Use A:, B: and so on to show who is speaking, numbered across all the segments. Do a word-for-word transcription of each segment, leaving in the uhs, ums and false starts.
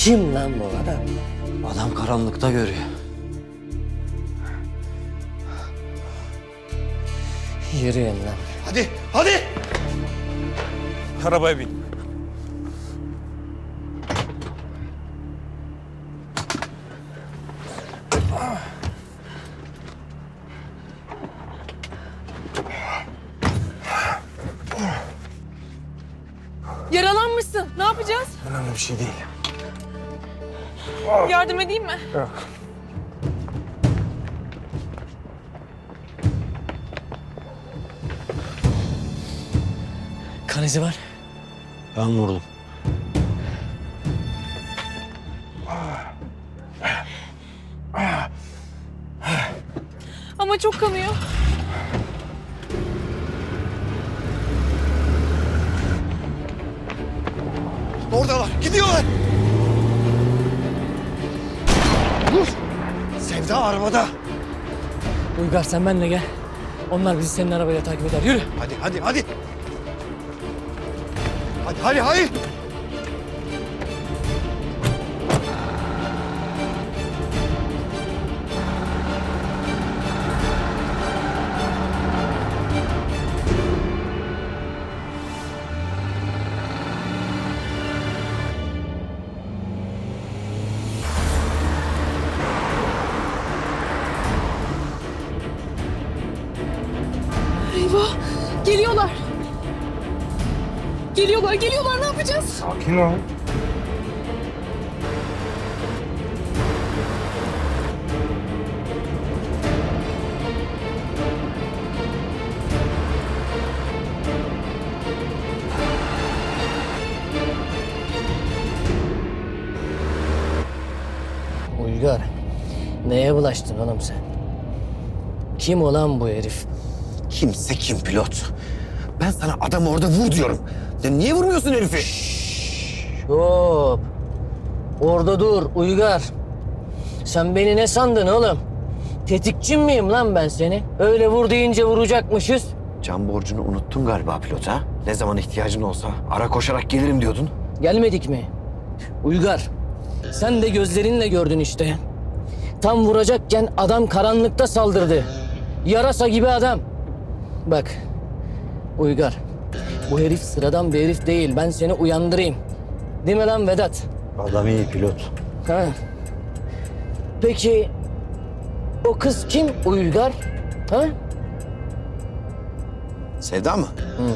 A: Kim lan bu adam?
B: Adam karanlıkta görüyor.
A: Yürüyün lan.
C: Hadi, hadi!
D: Arabaya bin.
E: Yaralanmışsın. Ne yapacağız?
D: Önemli bir şey değil.
E: Yardım edeyim mi?
D: Yok.
A: Kan izi var.
B: Ben vurdum.
E: Ama çok kanıyor.
C: Oradalar, gidiyorlar! Dur! Sevda arabada.
A: Uygar sen benimle gel. Onlar bizi senin arabayla takip eder. Yürü.
C: Hadi, hadi, hadi! Hadi, hadi, hadi!
E: Eyvah! Geliyorlar. Geliyorlar, geliyorlar. Ne yapacağız?
D: Sakin ol.
A: Uygar. Neye bulaştın oğlum sen? Kim olan bu herif?
C: Kimse kim pilot? Ben sana adamı orada vur diyorum. Ya niye vurmuyorsun herifi?
A: Hop. Orada dur Uygar. Sen beni ne sandın oğlum? Tetikçin miyim lan ben seni? Öyle vur deyince vuracakmışız.
C: Can borcunu unuttun galiba pilot ha? Ne zaman ihtiyacın olsa ara koşarak gelirim diyordun.
A: Gelmedik mi? Uygar. Sen de gözlerinle gördün işte. Tam vuracakken adam karanlıkta saldırdı. Yarasa gibi adam. Bak. Uygar. Bu herif sıradan bir herif değil. Ben seni uyandırayım. Değil mi lan Vedat?
B: Adam iyi pilot.
A: Ha. Peki o kız kim Uygar? Ha?
C: Sevda mı?
A: Hı.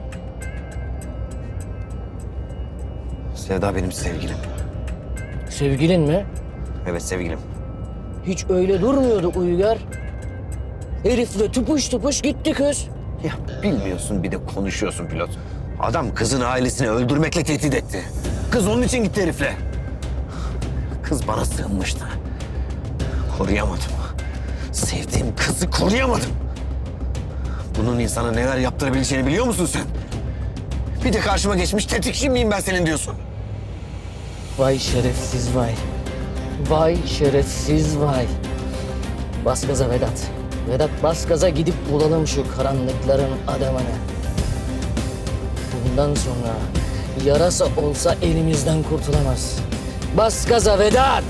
C: Sevda benim sevgilim.
A: Sevgilin mi?
C: Evet sevgilim.
A: Hiç öyle durmuyordu Uygar. Herifle tupuş tupuş gitti kız.
C: Ya bilmiyorsun bir de konuşuyorsun pilot. Adam kızın ailesini öldürmekle tehdit etti. Kız onun için gitti herifle. Kız bana sığınmıştı. Koruyamadım. Sevdiğim kızı koruyamadım. Bunun insana neler yaptırabileceğini biliyor musun sen? Bir de karşıma geçmiş tetikçi miyim ben senin diyorsun.
A: Vay şerefsiz vay. Vay şerefsiz vay. Bas gaza Vedat. Vedat bas gaza gidip bulalım şu karanlıkların adamını. Bundan sonra yarasa olsa elimizden kurtulamaz. Bas gaza Vedat.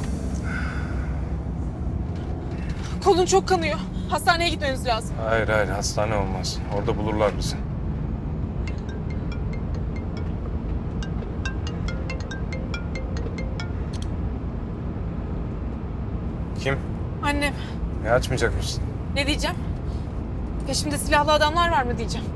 E: Kolun çok kanıyor. Hastaneye gitmemiz lazım.
D: Hayır hayır hastane olmaz. Orada bulurlar bizi. Kim?
E: Annem.
D: Ne açmayacak mısın?
E: Ne diyeceğim? Peşimde silahlı adamlar var mı diyeceğim.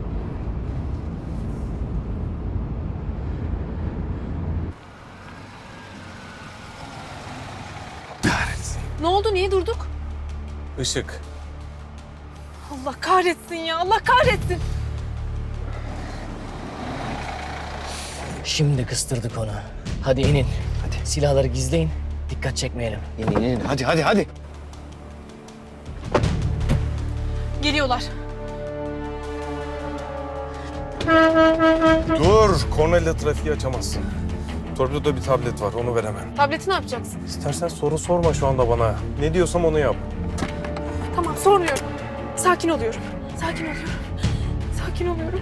D: Kahretsin.
E: Ne oldu? Niye durduk?
D: Işık.
E: Allah kahretsin ya. Allah kahretsin.
A: Şimdi kıstırdık onu. Hadi inin. Hadi. Silahları gizleyin. Dikkat çekmeyelim.
C: İn in in hadi hadi hadi.
E: Geliyorlar.
D: Dur. Kornayla trafiği açamazsın. Torpidoda bir tablet var. Onu veremem.
E: Tableti ne yapacaksın?
D: İstersen soru sorma şu anda bana. Ne diyorsam onu yap.
E: Tamam sormuyorum. Sakin oluyorum. Sakin oluyorum. Sakin oluyorum.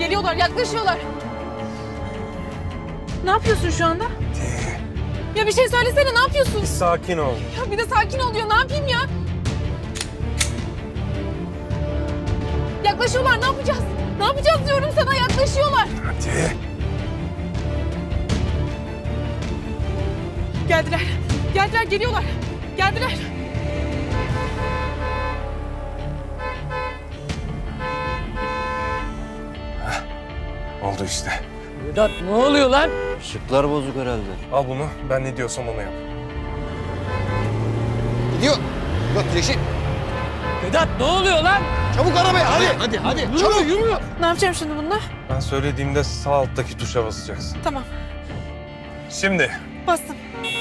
E: Geliyorlar, yaklaşıyorlar. Ne yapıyorsun şu anda? Ya bir şey söylesene, ne yapıyorsun?
D: Sakin ol.
E: Ya bir de sakin ol diyor, ne yapayım ya? Yaklaşıyorlar, ne yapacağız? Ne yapacağız diyorum sana, yaklaşıyorlar.
D: Hadi.
E: Geldiler, geldiler, geliyorlar. Geldiler.
D: Oldu işte.
A: Vedat ne oluyor lan?
B: Işıklar bozuk herhalde.
D: Al bunu. Ben ne diyorsam onu yap.
C: Gidiyor. Pilot yeşil.
A: Vedat ne oluyor lan?
C: Çabuk arabaya hadi. Hadi hadi. Çabuk.
E: Ne yapacağım şimdi bununla?
D: Ben söylediğimde sağ alttaki tuşa basacaksın.
E: Tamam,
D: Şimdi.
E: bastım.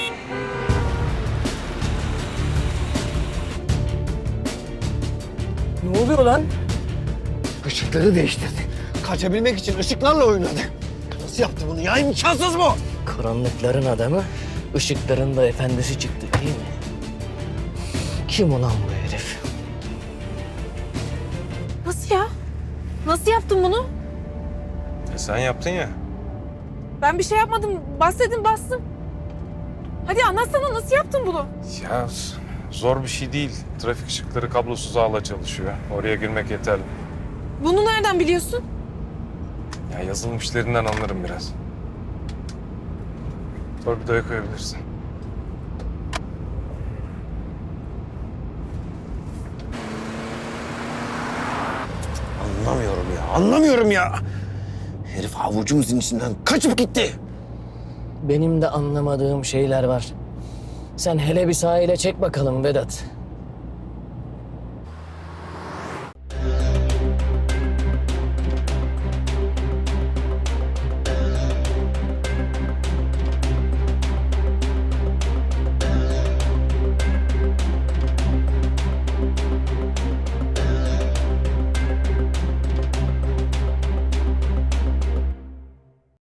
A: Ne oluyor lan?
C: Işıkları değiştirdi. Kaçabilmek için ışıklarla oynadı. Nasıl yaptı bunu ya? İmkansız bu.
A: Karanlıkların adamı, ışıkların da efendisi çıktı değil mi? Kim ulan bu herif?
E: Nasıl ya? Nasıl yaptın bunu?
D: E sen yaptın ya.
E: Ben bir şey yapmadım. Bas dedim, bastım. Hadi anlatsana, nasıl yaptın bunu?
D: Ya zor bir şey değil. Trafik ışıkları kablosuz ağla çalışıyor. Oraya girmek yeterli.
E: Bunu nereden biliyorsun?
D: Ya yazılmışlarından anlarım biraz. Torpidoya koyabilirsin.
C: Anlamıyorum ya. Anlamıyorum ya. Herif avucumuzun içinden kaçıp gitti.
A: Benim de anlamadığım şeyler var. Sen hele bir sahile çek bakalım Vedat.